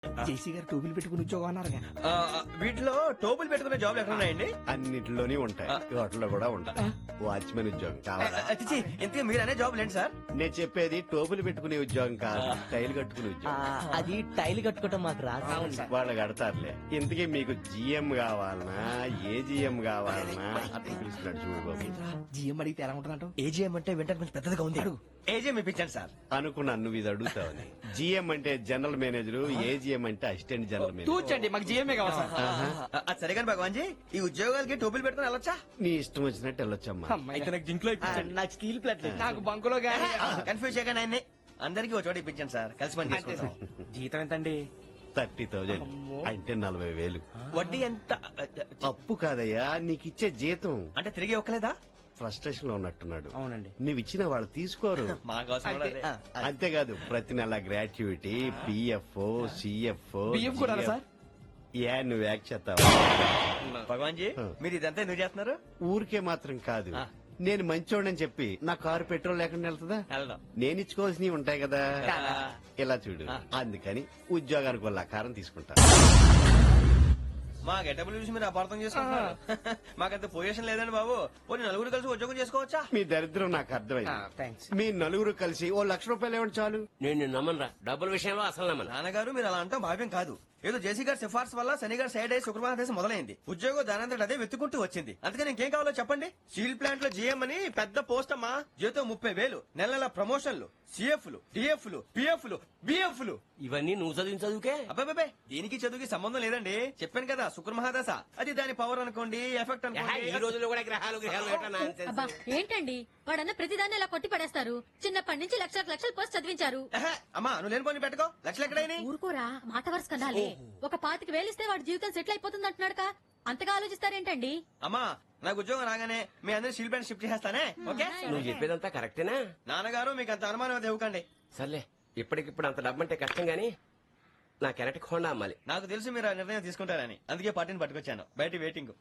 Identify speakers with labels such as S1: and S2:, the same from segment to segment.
S1: జేసీ గారు టోపీలు పెట్టుకుని ఉద్యోగం అన్నారుగా.
S2: వీటిలో టోపులు పెట్టుకునే జాబ్లు ఎక్కడ ఉన్నాయండి?
S3: అన్నిటిలోనే ఉంటాయి, వాటిలో కూడా ఉంటాయి. వాచ్మెన్ ఉద్యోగం కావాలా?
S2: అతిచి ఇంతకీ మీరు అనే జాబ్ లేండి సార్?
S3: నేను చెప్పేది టోపులు పెట్టుకునే ఉద్యోగం కాదు, టైల్ కట్టుకునే ఉద్యోగం.
S4: అది టైల్ కట్టుకోవటం మాకు రాదు.
S3: వాళ్ళు కడతారులే. ఇంతకీ మీకు జిఎం కావాలనా, ఏ జిఎం కావాలనా అట్లా పిలుస్తున్నాడు చూడు బాబు.
S1: జిఎం అడిగితే ఎలా ఉంటుందంట?
S2: ఏజీఎం అంటే వింటానికి కొంచెం పెద్దదిగా ఉంది. ఏజీఎం ఇప్పించండి సార్.
S3: అనుకున్నాను నువ్వు ఇది అడుగుతావని. జిఎం అంటే జనరల్ మేనేజర్, ఏజిఎం అంటే అసిస్టెంట్ జనరల్ మేనేజర్.
S1: తూచండి, మాకు జిఎంఏ కావాలి సార్.
S2: అది సరే కానీ భగవాన్ జీ, ఈ ఉద్యోగాలకి టోపులు పెట్టుకుని వెళ్ళొచ్చా?
S3: నీ ఇష్టం వచ్చినట్టు వెళ్ళొచ్చమ్మా.
S1: అయితే నాకు జింక్లో
S4: నాకు స్టీల్ ప్లేట్
S1: నాకు బంకులో గానీ.
S2: కన్ఫ్యూజ్ చేయగానే ఆయన్ని అందరికీ ఒక చోట ఇప్పించండి సార్, కలిసి పని చేసుకుంటాం.
S1: జీతం ఎంతండి?
S3: 30,000 అంటే 40,000.
S2: వడ్డీ ఎంత?
S3: అప్పు కాదయ్యా, నీకు ఇచ్చే జీతం.
S2: అంటే తిరిగి ఒక్కలేదా?
S3: ఫ్రస్ట్రేషన్ లో ఉన్నట్టున్నాడు.
S1: అవునండి.
S3: నువ్వు ఇచ్చిన వాళ్ళు తీసుకోరు. అంతేకాదు, ప్రతి నెల గ్రాట్యుటీ, పిఎఫ్, సిఎఫ్.
S1: బియ్యం కూడా సార్?
S3: ఏ నువ్వు యాక్ట్ చేస్తావా?
S2: భగవాన్ జీ, మీరు ఇదంతా ఎందుకు చేస్తున్నారు?
S3: ఊరికే మాత్రం కాదు, నేను మంచోడని చెప్పి నా కారు పెట్రోల్ లేకుండా వెళ్తుందా? నేను ఇచ్చుకోవాల్సినవి ఉంటాయి కదా. ఇలా చూడు, అందుకని ఉద్యోగానికి వాళ్ళ ఆకారం తీసుకుంటా.
S2: మా గెటబుల్ చూసి మీరు అపార్థం చేసుకుంటున్నారు. మాకంత పొజిషన్ లేదండి బాబు. పోనీ నలుగురు కలిసి ఉద్యోగం చేసుకోవచ్చా?
S3: మీ దరిద్రం నాకు అర్థమైంది.
S1: థ్యాంక్స్.
S3: మీ నలుగురు కలిసి ఓ ₹1,00,000 ఇవ్వండి చాలు.
S5: నేను నమ్మనరా, డబ్బుల విషయంలో అసలు నమ్మను.
S2: నాన్నగారు మీరు అలా అంటాం భావ్యం కాదు. ఏదో జేసీ గారి సిఫార్సు వల్ల శని గారు సైడ్ అయ్యి శుక్రవారం దేశం మొదలైంది. ఉద్యోగం దానంతటి అదే వెతుకుంటూ వచ్చింది. అందుకని ఇంకేం కావాలో చెప్పండి. స్టీల్ ప్లాంట్ లో జీఎం అని పెద్ద పోస్ట్ అమ్మా. జీతం 30,000, నెల నెల ప్రమోషన్లు, సిఎఫ్లు, డిఎఫ్లు, పిఎఫ్లు, బిఎఫ్లు.
S5: ఇవన్నీ నువ్వు చదివిన చదువుకే.
S2: అబ్బాబే, దీనికి చదువుకి సంబంధం లేదండి. చెప్పాను కదా, శుక్ర మహాదశ. అది దాని పవర్ అనుకోండి, ఎఫెక్ట్
S5: ఈ
S2: అనుకోండి.
S5: రోజుల్లో కూడా గ్రహాలు ఏటా nonsense?
S6: అబ్బా ఏంటండి వాడన్న ప్రతిదాన్ని ఇలా కొట్టి పడేస్తారు. చిన్నప్పటి నుంచి లక్షలు పోస్ట్ చదివించారు.
S2: ఎహె, అమ్మా నువ్వు లేని పోనీ పెట్టుకో. లక్షలు ఎక్కడైనా
S6: ఊరుకోరా, మాట వరుస కదాలే. ఒక 25,000 ఇస్తే వాడి జీవితం సెటిల్ అయిపోతుంది అంటున్నాడుక. అంతగా ఆలోచిస్తారేంటండి?
S2: అమ్మా నాకు ఉద్యోగం రాగానే మీ అందరి స్టీల్ ప్లాంట్ షిఫ్ట్ చేస్తానే. ఓకే
S5: నువ్వు చెప్పేదంతా కరెక్టేనా?
S2: నాన్నగారు మీకు అంత అనుమానం అది ఇవ్వకండి.
S5: సర్లే, ఇప్పటికిప్పుడు అంత డబ్బు అంటే కష్టం గానీ నా కెనటిక్ హోండా అమ్మాలి.
S2: నాకు తెలుసు మీరు ఆ నిర్ణయం తీసుకుంటారని, అందుకే పార్టీని పట్టుకొచ్చాను. బయట వెయిటింగ్.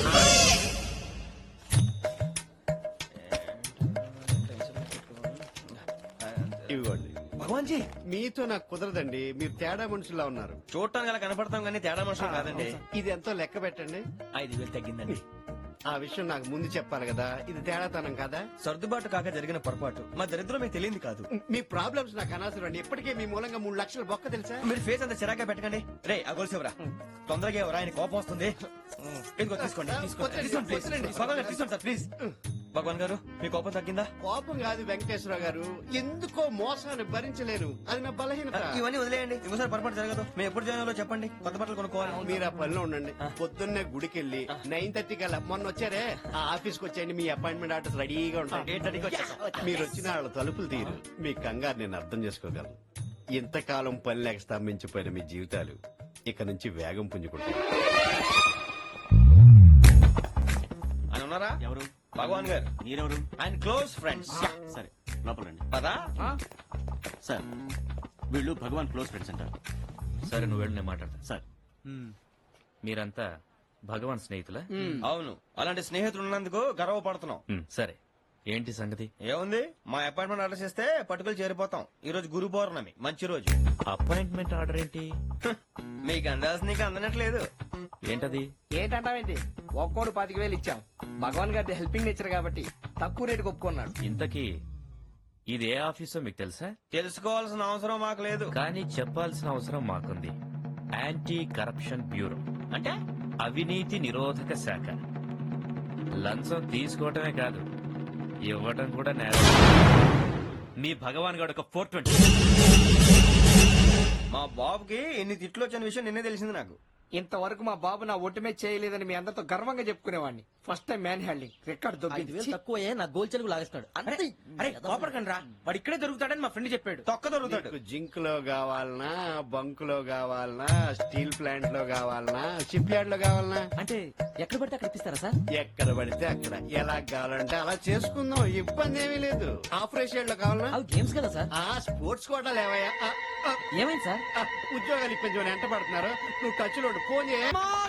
S3: ఇవ్వండి.
S2: భగవాన్ జీ,
S3: మీతో నాకు కుదరదండి, మీరు తేడా మనుషుల్లా ఉన్నారు.
S2: చూడటానికి అలా కనపడతాం కానీ తేడా మనుషులు కాదండి.
S3: ఇది ఎంతో లెక్క పెట్టండి.
S2: 5,000 తగ్గిందండి.
S3: ఆ విషయం నాకు ముందు చెప్పాలి కదా, ఇది తేడాతనం కదా.
S2: సర్దుబాటు కాక జరిగిన పొరపాటు. మా దరిద్రం మీకు తెలియదు కాదు.
S3: మీ ప్రాబ్లమ్స్ నాకు అనవసరం అండి. ఇప్పటికే మీ మూలంగా 3,00,000 బొక్క తెలుసా.
S2: మీరు ఫేస్ అంత చిరాగా పెట్టకండి. రే ఆ గొలుసేవరా, తొందరగా ఎవరా, ఆయన కోపం వస్తుంది. ఇదిగో తీసుకోండి. తీసుకోండి ప్లీజ్. భగవాన్ గారు తీసుకోండి సార్ ప్లీజ్. భగవాన్ గారు మీ కోపం తగ్గిందా?
S3: కోపం కాదు వెంకటేశ్వర గారు, ఎందుకో మోసాన్ని భరించలేరు, అది నా బలహీనత.
S2: ఇవన్నీ వదిలేయండి, ఇంకోసారి పొరపాటు జరగదు. మేము ఎప్పుడు జాయిన్ అవ్వాలో చెప్పండి, కొత్త బట్టలు కొనుక్కోవాలి.
S3: మీరు ఆ పనిలో ఉండండి. పొద్దున్నే గుడికి వెళ్ళి 9:30 కల్లా, మొన్న వచ్చారే ఆ ఆఫీస్ కి వచ్చేయండి. మీ అపాయింట్మెంట్ ఆర్డర్స్ రెడీగా ఉంటాయి.
S2: 8:30కి వచ్చేస్తాం.
S3: మీరు వచ్చిన వాళ్ళ తలుపులు తీరు. మీ కంగారు నేను అర్థం చేసుకోగలను. ఇంతకాలం పని లేక స్తంభించిపోయిన మీ జీవితాలు ఇక నుంచి వేగం పుంజుకుంటాయి.
S2: ఆయన ఉన్నారా?
S7: ఎవరు?
S2: భగవాన్ గారు.
S7: మీరెవరు?
S2: ఆయన క్లోజ్ ఫ్రెండ్స్.
S7: సరే లోపల రండి.
S2: పదా
S7: సార్ వీళ్ళు భగవాన్ క్లోజ్ ఫ్రెండ్స్ అంటారు.
S8: సరే నువ్వు వెళ్ళు, నేను మాట్లాడతా.
S7: సార్
S8: మీరంతా భగవాన్ స్నేహితులా?
S2: అవును, అలాంటి స్నేహితులు ఉన్నందుకు గర్వపడుతున్నాం.
S8: సరే, ఏంటి సంగతి?
S2: ఏముంది, మా అపాయింట్మెంట్ ఆర్డర్ చేస్తే పట్టుకులు చేరిపోతాం. ఈ రోజు గురు పౌర్ణమి, మంచి రోజు.
S8: అపాయింట్మెంట్ ఆర్డర్ ఏంటి?
S2: మీకు అందాల్సిన నీకు అందనట్లేదు.
S8: ఏంటది?
S1: ఏంటంటావేంటి? ఒక్కోడు 25,000 ఇచ్చాం. భగవాన్ గారి హెల్పింగ్ నేచర్ కాబట్టి తక్కువ రేటుకి ఒప్పుకున్నాడు.
S8: ఇంతకీ ఇది ఏ ఆఫీసో మీకు తెలుసా?
S2: తెలుసుకోవాల్సిన అవసరం మాకు లేదు.
S8: కానీ చెప్పాల్సిన అవసరం మాకుంది. యాంటీ కరప్షన్ బ్యూరో,
S2: అంటే
S8: అవినీతి నిరోధక శాఖ. లంచం తీసుకోవటమే కాదు, ఇవ్వటం కూడా నేరం. మీ భగవాన్ గారు ఒక 420.
S2: మా బాబుకి ఎన్ని తిట్లు వచ్చిన విషయం నిన్నే తెలిసింది నాకు.
S1: ఇంతవరకు మా బాబు నా ఒట్టుమే చేయలేదని మీ అందరితో గర్వంగా చెప్పుకునేవాడిని. First time man handing record
S4: 5,000 తక్కువ నా గోల్ చెలుగు లాగేస్తున్నాడు.
S1: అరే కోపడకండి రా, వాడు ఇక్కడే దొరుకుతాడని మా ఫ్రెండ్ చెప్పాడు.
S2: తొక్క దొరుకుతాడు.
S3: మీకు జింక్ లో కావాలనా, బంక్ లో కావాలనా, స్టీల్ ప్లాంట్ లో కావాలనా, షిప్ యార్డ్ లో కావాలనా?
S4: అంటే ఎక్కడ పడితే అక్కడ ఇప్పిస్తారా సార్?
S3: ఎక్కడ పడితే అక్కడ, ఎలా కావాలంటే అలా చేసుకుందాం, ఇబ్బంది ఏమీ లేదు. ఆపరేషన్ లో కావాలనా?
S4: అవి గేమ్స్ కదా సార్.
S3: ఆ స్పోర్ట్స్ కోటా లేవయ్యా.
S4: ఏమైంది సార్?
S3: ఉద్యోగాలు ఇప్పించమని ఎంట పడుతున్నారు. నువ్వు టచ్ లో ఫోన్ చేయ.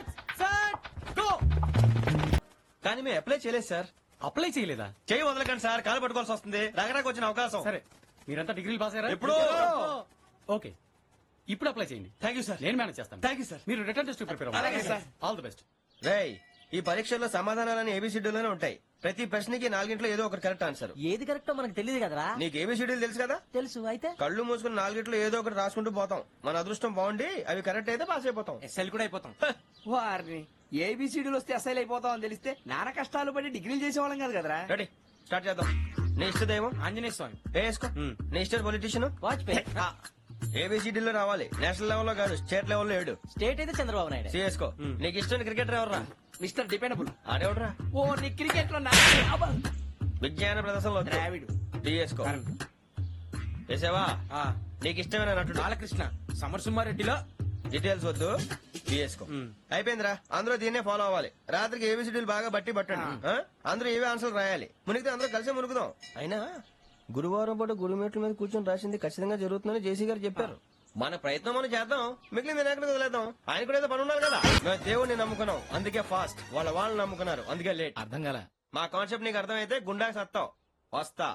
S2: కానీ మేము అప్లై చేయలేదు సార్.
S1: అప్లై చేయలేదా?
S2: చేయి వదలకండి సార్, కాలు పట్టుకోవాల్సి వస్తుంది. రగరాకు వచ్చిన అవకాశం.
S1: సరే, మీరంతా డిగ్రీలు పాస్ అయ్యారా?
S2: ఎప్పుడో.
S1: ఓకే,
S7: ఇప్పుడు అప్లై చేయండి.
S2: Thank you sir.
S7: నేను మేనేజ్ చేస్తాను.
S2: Thank you sir.
S7: మీరు రిటర్న్ టెస్ట్ ప్రిపేర్
S2: అలాగే సార్.
S7: All the best.
S2: రేయ్, ఈ పరీక్షల్లో సమాధానాలని ఏబిసిడ్యూల్లోనే ఉంటాయి. ప్రతి ప్రశ్నకి 4 ఏదో ఒకటి కరెక్ట్ ఆన్సర్.
S4: ఏది కరెక్టో మనకు తెలియదు కదరా.
S2: నీకు ఏబిసిడ్యూల్ తెలుసు కదా?
S4: తెలుసు అయితే
S2: కళ్ళు మూసుకుని 4 ఏదో ఒకటి రాసుకుంటూ పోతాం. మన అదృష్టం బాగుండి అవి కరెక్ట్ అయితే పాస్ అయిపోతాం.
S1: ఎస్ఎల్ కూడా అయిపోతాం. వారిని ఏబిసిడీలు వస్తే ఎస్ఐలు అయిపోతాం అని తెలిస్తే నాన్న కష్టాలు పడి డిగ్రీలు చేసేవాళ్ళం కాదు కదరా.
S2: రెడీ, స్టార్ట్ చేద్దాం. నీ ఇష్టదేమో
S1: ఆంజనేయ స్వామి.
S2: వేసుకో. నీ ఇష్ట పొలిటీషియన్
S4: వాజ్పేయి.
S2: ఏబిసిడీలో రావాలి. నేషనల్ లెవెల్లో కాదు, స్టేట్ లెవెల్లో 7.
S4: స్టేట్ అయితే చంద్రబాబు నాయుడు.
S2: సిఎస్కో. నీకు ఇష్టం క్రికెటర్ ఎవర్రా?
S1: Mister dependable.
S2: ఆడేవడరా?
S1: ఓ నీ క్రికెట్ లో
S2: విజ్ఞాన ప్రదర్శనలో
S1: ద్రావిడు.
S2: డిఎస్కో. వేసావా? నీకు ఇష్టమైన నటుడు?
S1: బాలకృష్ణ. సమర్సుమారెడ్డిలో
S2: డీటెయిల్స్ వద్దు, డిఎస్కో. అయిపోయిందిరా. అందరూ దీన్నే ఫాలో అవ్వాలి. రాత్రికి ఏబిసిడీలు బాగా బట్టి పట్టండి. అందరూ ఏవే ఆన్సర్లు రాయాలి. మునిగితే అందరూ కలిసి మునుగుదాం. అయినా గురువారం పాటు గురుమేట్ల మీద కూర్చొని రాసింది ఖచ్చితంగా జరుగుతుందని జేసీ గారు చెప్పారు. మన ప్రయత్నం మనం చేద్దాం, మిగిలింది ఎక్కడికి వదిలేద్దాం. ఆయన కూడా ఏదో పని ఉన్నారు కదా. మేము దేవుడిని నమ్ముకున్నాం, అందుకే ఫాస్ట్. వాళ్ళని నమ్ముకున్నారు, అందుకే లేట్.
S1: అర్థం కాల.
S2: మా కాన్సెప్ట్ నీకు అర్థమైతే గుండా సత్తావు. వస్తా.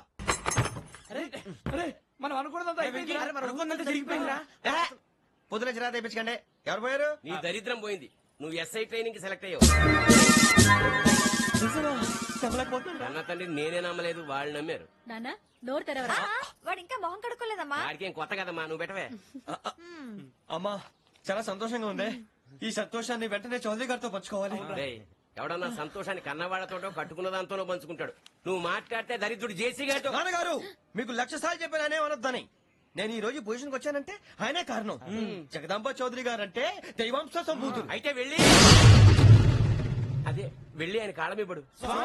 S1: మనం అనుకున్నదంతా జరిగిపోయిందిరా.
S2: పొద్దున చిరా తెప్పించకండి. ఎవరు పోయారు?
S5: నీ దరిద్రం పోయింది. నువ్వు ఎస్ఐ ట్రైనింగ్ కి సెలెక్ట్ అయ్యావు. అన్న తండ్రి నేనే నమ్మలేదు, వాళ్ళు నమ్మారు.
S6: నాన్న నోరు తెరవరా.
S9: వాడు ఇంకా మొహం కడుక్కోలేదమ్మా.
S5: వాడికి ఏం కొత్త కదమ్మా, నువ్వు పెట్టవే.
S2: అమ్మా, చాలా సంతోషంగా ఉంది. ఈ సంతోషాన్ని వెంటనే చౌదరి గారితో పంచుకోవాలి.
S5: డేయ్, ఎవడన్నా సంతోషాన్ని కన్నవాళ్లతోటో కట్టుకున్న దాంతోనో పంచుకుంటాడు. నువ్వు మాట్లాడితే దరిద్రుడు జేసీ గారితో.
S2: నాన్నగారు, మీకు 1,00,000 సార్లు చెప్పాను అనే అనొద్దని. నేను ఈ రోజు పొజిషన్కి వచ్చానంటే ఆయనే కారణం. జగదాంబ చౌదరి గారు అంటే దైవాంశ సంభూతుడు.
S5: అయితే వెళ్ళి అదే వెళ్ళి ఆయన కాళ్ళమివ్వడు.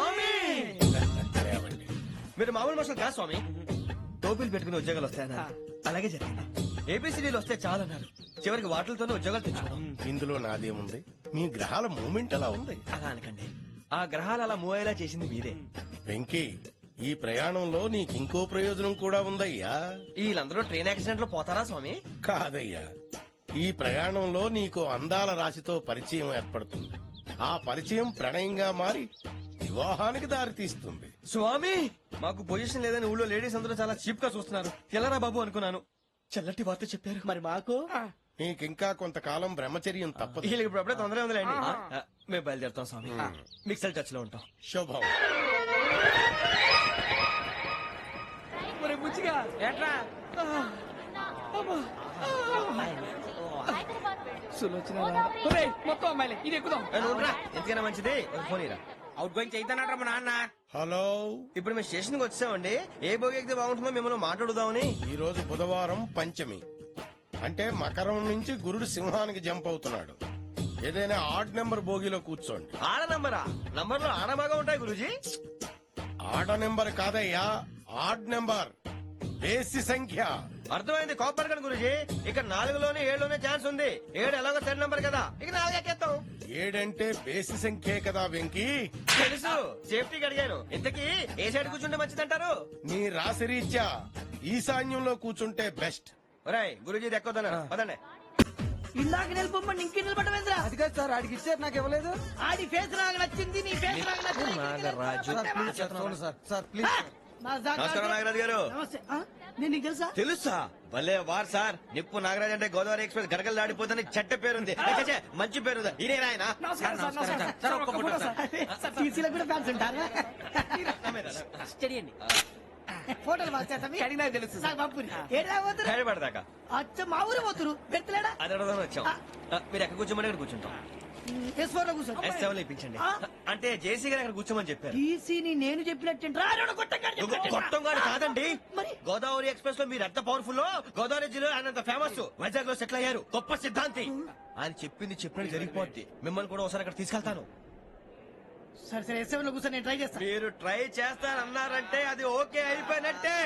S2: మీరు మామూలు మనుషులు కాదు స్వామి. టోపీలు పెట్టుకుని ఉద్యోగాలు వస్తాయన్నారు, అలాగే జరిగింది. ఏపీసీడీలు వస్తే చాలన్నారు, చివరికి వాటిలతోనే ఉద్యోగాలు తెచ్చుకున్నాం.
S10: ఇందులో నాదేముంది? మీ గ్రహాల మూమెంట్ అలా ఉంది.
S2: అలా అనకండి, ఆ గ్రహాలు అలా మూవ్ అయ్యేలా చేసింది మీరే.
S10: వెంకీ, ఈ ప్రయాణంలో నీకింకో ప్రయోజనం కూడా ఉందయ్యా.
S2: వీళ్ళందరూ ట్రైన్ యాక్సిడెంట్ లో పోతారా స్వామి?
S10: కాదయ్యా, ఈ ప్రయాణంలో నీకు అందాల రాశితో పరిచయం ఏర్పడుతుంది. ఆ పరిచయం ప్రణయంగా మారి వివాహానికి దారితీస్తుంది.
S2: స్వామి, మాకు పొజిషన్ లేదని ఊళ్ళో లేడీస్ అందరూ చాలా చీప్ గా చూస్తున్నారు. ఎలారా బాబు అనుకున్నాను. చల్లటి వార్త చెప్పారు.
S4: మరి మాకు
S10: నీకింకా కొంతకాలం బ్రహ్మచర్యం తప్పదు.
S2: వీళ్ళకి ఇప్పుడు అప్పుడే తొందరగా ఉందిలేండి. మేము బయలుదేరుతాం స్వామి. మిక్సెల్ టచ్ లో ఉంటాం.
S10: శుభం.
S1: ఏట్రా మొత్తం అమ్మాయిలే ఇది ఎక్కుదాం.
S2: ఎందుకైనా మంచిది ఒక ఫోన్ ఇరా.
S1: అవుట్ గోయింగ్ చేద్దానట్రా మా నాన్న.
S10: హలో,
S2: ఇప్పుడు మేము స్టేషన్ కి వచ్చామండి. ఏ బోగి ఎక్కితే బాగుంటుందో మిమ్మల్ని మాట్లాడుదామని.
S10: ఈ రోజు బుధవారం పంచమి, అంటే మకరం నుంచి గురుడు సింహానికి జంప్ అవుతున్నాడు. ఏదైనా ఆడ్ నెంబర్ బోగిలో కూర్చోండి.
S2: ఆడ నంబరా? నంబర్ లో ఆడ బాగా ఉంటాయి గురూజీ.
S10: ఆడ నెంబర్ కాదయ్యా, ఆడ్ నెంబర్, బేసి సంఖ్య.
S2: అర్థమైంది, కాపర్ కన్ గురూజీ. ఇక్కడ 4లోనే 7లోనే ఛాన్స్ ఉంది. 7 ఎలాగో 10 నంబర్ కదా, ఇక 4 ఎక్కేస్తాం.
S10: 7 అంటే బేసి సంఖ్యే కదా వెంకీ.
S2: తెలుసు, సేఫ్టీకి అడిగాను. ఇంతకీ ఏ సైడ్ కూర్చుంటే మంచిదంటారు?
S10: నీ రాశి రీత్యా ఈశాన్యంలో కూర్చుంటే బెస్ట్.
S2: ఒరాయ్, గురూజీ దెక్కొద్దన్నారు పదండి.
S4: ఇందాక నిలబొమ్మని ఇంకే నిలబడమేంద్రా.
S1: అది కాదు సార్, ఆడికి ఇచ్చారు నాకు ఇవ్వలేదు.
S4: ఆడి ఫేస్ నాకు నచ్చింది, నీ ఫేస్ నాకు నచ్చింది.
S1: Sir please.
S2: నమస్కారం నాగరాజు గారు.
S4: నమస్తే. నేను నీకు తెలుసా?
S2: తెలుసా? భలే వార్ సార్. నిప్పు నాగరాజ్ అంటే గోదావరి ఎక్స్ప్రెస్ గడగలు దాడిపోతుంది చెట్ట పేరుంది. ఛే, మంచి పేరుంది. ఇదే ఆయన.
S4: టీసీలో కూడా ఫ్యాన్స్ ఉంటారా? స్టడీ అండి. ఫోటోలు
S1: అడిగినా తెలుసు సార్.
S2: హైదరాబాద్
S4: అచ్చ మా ఊరు పోతురు పెడతలేడా?
S2: అది అడగదామని వచ్చాం. మీరు ఎక్కడ కూర్చోమని అక్కడ కూర్చుంటాం.
S4: S4 లో కూర్చో.
S2: S7 ఇప్పించండి. అంటే జేసీ గారు అక్కడ కూర్చోమని చెప్పారు.
S4: టీసీని నేను చెప్పినట్టు
S2: గొట్టంగాడు కాదండి. గోదావరి ఎక్స్ప్రెస్ లో మీరు ఎంత పవర్ఫుల్, గోదావరి జిల్లా ఆయన ఫేమస్. వైజాగ్ లో సెటిల్ అయ్యారు, గొప్ప సిద్ధాంతి. ఆయన చెప్పింది చెప్పినట్టు జరిగిపోద్ది. మిమ్మల్ని కూడా ఒకసారి అక్కడ తీసుకెళ్తాను.
S4: సరే సరే, S7 లో కూర్చొని నేను ట్రై చేస్తాను.
S2: మీరు ట్రై చేస్తారన్నారంటే అది ఓకే అయిపోయినట్టే.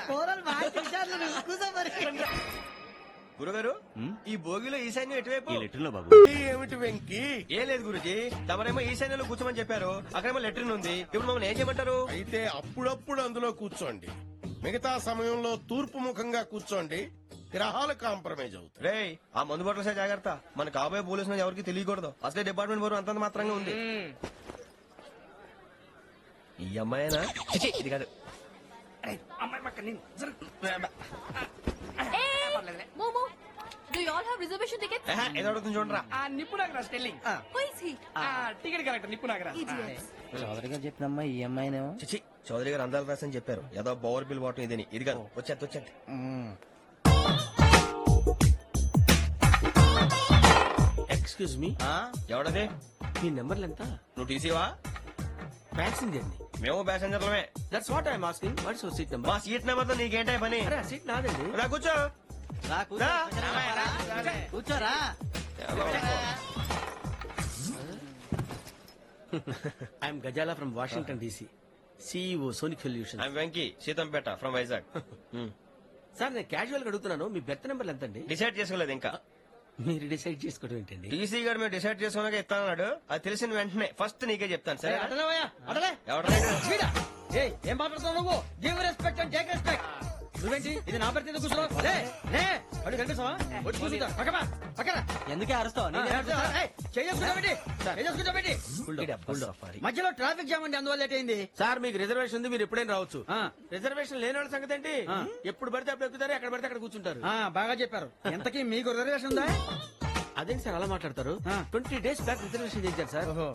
S2: గురుగారు, ఈ భోగిలో ఈశాన్యం ఎటువైపు?
S7: ఈ లెటర్ లో బాబు.
S10: ఏమిటి వెంకీ?
S2: ఏం లేదు గురుజీ, తమరేమో ఈశాన్యంలో కూర్చోమని చెప్పారు. అక్కడేమో లెటర్ ఉంది. ఇప్పుడు మమ్మల్ని ఏం చేయమంటారు?
S10: అయితే అప్పుడప్పుడు అందులో కూర్చోండి, మిగతా సమయంలో తూర్పు ముఖంగా కూర్చోండి. గ్రహాలు కాంప్రమైజ్ అవుతాయి.
S2: రేయ్, ఆ మందు బట్టలసే జాగ్రత్త. మన కాబోయే పోలీసులు ఎవరికి తెలియకూడదు. అసలే డిపార్ట్మెంట్ బోరు అంతంత మాత్రంగా ఉంది. ఈ అమ్మాయినా? చిచి, ఇది కాదు.
S1: అమ్మాయి పక్క నేను
S6: మోమో Do you all have reservation tickets?
S2: ఏదో అడుగుతుంది చూడరా.
S1: ఆ నిప్పు Nagaraj telling
S6: Who is he?
S1: Ticket correct నిప్పు నాగరాజ్
S6: Idiots.
S1: చౌదరిగా చెప్పినమ్మా ఈ అమ్మాయినేమో
S2: చిచి చౌదరి గారు అందాలు రాసని చెప్పారు ఏదో బోర్ బిల్ బాటం ఇదని ఇది కాదు వచ్చేది
S5: ఎక్స్క్యూజ్ మీ
S2: ఎవడది
S5: మీ నెంబర్లు ఎంత?
S2: నువ్వు టీసీవా
S5: ప్యాసింజర్ ని.
S2: మేము ప్యాసెంజర్లమే
S5: that's what I'm asking. What's your seat number?
S2: మా సీట్ నెంబర్ తో నీకేంటే పని
S5: అరే సీట్ నాదండి.
S2: రా కూర్చో రా.
S4: కూర్చోరా
S5: I'm Gazala from Washington DC, CEO Sonic solution.
S2: I'm Venky Seethampeta from Vizag
S5: sir నేను క్యాజువల్ గా అడుగుతున్నాను, మీ బెర్త్ నెంబర్లు ఎంత అండి?
S2: డిసైడ్ చేసుకోలేదు ఇంకా
S5: మీరు డిసైడ్ చేసుకోవడం ఏంటండి?
S2: టీసీ గారు మేము డిసైడ్ చేసుకున్నాక ఇస్తానన్నాడు అది తెలిసిన వెంటనే ఫస్ట్ నీకే చెప్తాను సరే
S4: అడలే
S2: ఎవడరా
S4: ఏం మాట్లాడుతున్నావు నువ్వు? Give respect and take respect. నువ్వేంటి ఇది నా పరిస్థితి కూర్చున్నావు? అడుగు కనిపిస్తావా? వచ్చి కూర్చుంటా పక్కన
S5: ఎందుకే అరుస్తావు?
S4: మధ్యలో ట్రాఫిక్ జామ్ అండి, అందువల్ల లేట్ అయింది.
S5: సార్ మీకు రిజర్వేషన్ ఉంది, మీరు ఎప్పుడైనా రావచ్చు. రిజర్వేషన్ లేని వాళ్ళ సంగతి ఏంటి? ఎప్పుడు పడితే అప్పుడు ఎక్కుతారు, ఎక్కడ పడితే అక్కడ కూర్చుంటారు.
S4: బాగా చెప్పారు. ఎంతకీ మీకు రిజర్వేషన్ ఉందా?
S5: అదేంటి సార్ అలా మాట్లాడతారు? 20 days బ్యాక్ రిజర్వేషన్ చేశారు సార్.